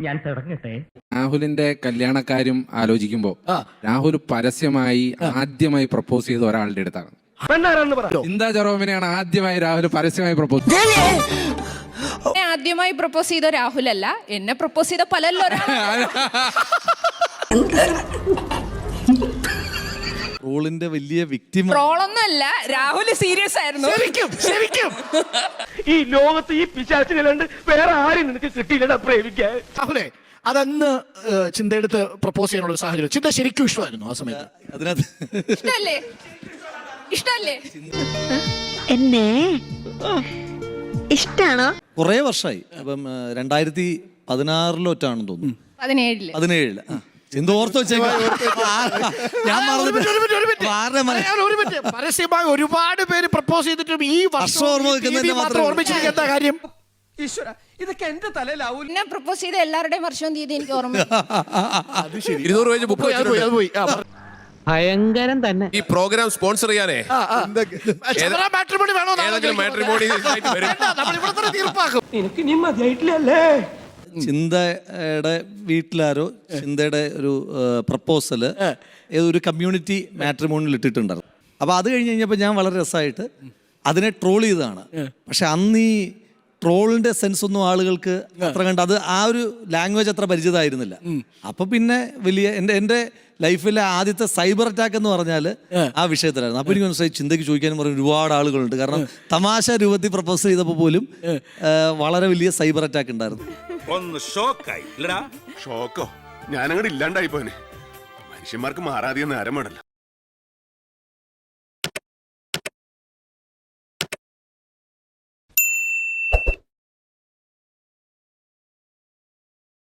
ഞാൻ തുടങ്ങട്ടെ. രാഹുലിന്റെ കല്യാണക്കാര്യം ആലോചിക്കുമ്പോ രാഹുൽ പരസ്യമായി ആദ്യമായി പ്രപ്പോസ് ചെയ്ത ഒരാളുടെ അടുത്താണ്. ചിന്താ ജെറോമിനെയാണ് ആദ്യമായി രാഹുൽ പരസ്യമായി പ്രപ്പോസ് ആദ്യമായി പ്രപ്പോസ് ചെയ്ത രാഹുലല്ല, എന്നെ പ്രപ്പോസ് ചെയ്ത പലല്ലോ. ട്രോളിന്റെ വലിയ വിക്ടിം ട്രോളൊന്നുമല്ല, രാഹുൽ സീരിയസ് ആയിരുന്നു. ശരിക്കും ഈ ലോകത്ത് ഈ പിശാചിനല്ലാണ്ട് വേറെ ആരും നിനക്ക് കിട്ടിയില്ലടാ പ്രേമിക്കാൻ. രാഹുലേ, അതന്ന് ചിന്തയെടുത്ത് പ്രപ്പോസ് ചെയ്യാനുള്ള സാഹചര്യം ചിന്ത ശരിക്കും ഇഷ്ടമായിരുന്നു ആ സമയത്ത്? അതിനകത്ത് ഇഷ്ടല്ലേ? ഇഷ്ടല്ലേ? എന്നെ ഇഷ്ടാണോ? കുറെ വർഷമായി. അപ്പം 2016 തോന്നുന്നു, 17 എന്തോ ഓർത്ത് വെച്ചേക്കാം. പരസ്യമായി ഒരുപാട് പേര് പ്രപ്പോസ് ചെയ്തിട്ടും ഈ വർഷം ഓർമ്മിച്ചിരിക്കുന്ന കാര്യം ഇതൊക്കെ എന്റെ തലയിലാവൂ. എന്നെ പ്രപ്പോസ് ചെയ്ത എല്ലാവരുടെയും വർഷവും തീയതി എനിക്ക് ഓർമ്മ. ഭയങ്കരം തന്നെ. ഈ പ്രോഗ്രാം സ്പോൺസർ ചെയ്യാനേ എനിക്ക് നീ മതിയായിട്ടില്ലല്ലേ? ചിന്തയുടെ വീട്ടിലാരോ ചിന്തയുടെ ഒരു പ്രപ്പോസല് ഏതൊരു കമ്മ്യൂണിറ്റി മാട്രിമോണിയിൽ ഇട്ടിട്ടുണ്ടായിരുന്നു. അപ്പോൾ അത് കഴിഞ്ഞ് കഴിഞ്ഞപ്പോൾ ഞാൻ വളരെ രസമായിട്ട് അതിനെ ട്രോൾ ചെയ്തതാണ്. പക്ഷെ അന്ന് ഈ ട്രോളിന്റെ സെൻസ് ഒന്നും ആളുകൾക്ക് അത്ര കണ്ട് അത് ആ ഒരു ലാംഗ്വേജ് അത്ര പരിചിതമായിരുന്നില്ല. അപ്പൊ പിന്നെ വലിയ എൻ്റെ ലൈഫിലെ ആദ്യത്തെ സൈബർ അറ്റാക്ക് എന്ന് പറഞ്ഞാൽ ആ വിഷയത്തിലായിരുന്നു. അപ്പൊ എനിക്ക് മനസ്സിലായി ചിന്തയ്ക്ക് ചോദിക്കാനും പറഞ്ഞ ഒരുപാട് ആളുകളുണ്ട്. കാരണം തമാശ രൂപത്തിൽ പ്രപ്പോസ് ചെയ്തപ്പോൾ പോലും വളരെ വലിയ സൈബർ അറ്റാക്ക് ഉണ്ടായിരുന്നു. ഒന്ന് ഷോക്കായി. ഷോക്കോ? ഞാനങ്ങോട്ട് ഇല്ലാണ്ടായി പോനെ. മനുഷ്യന്മാർക്ക് മാറാതെ നേരം വേണല്ലോ.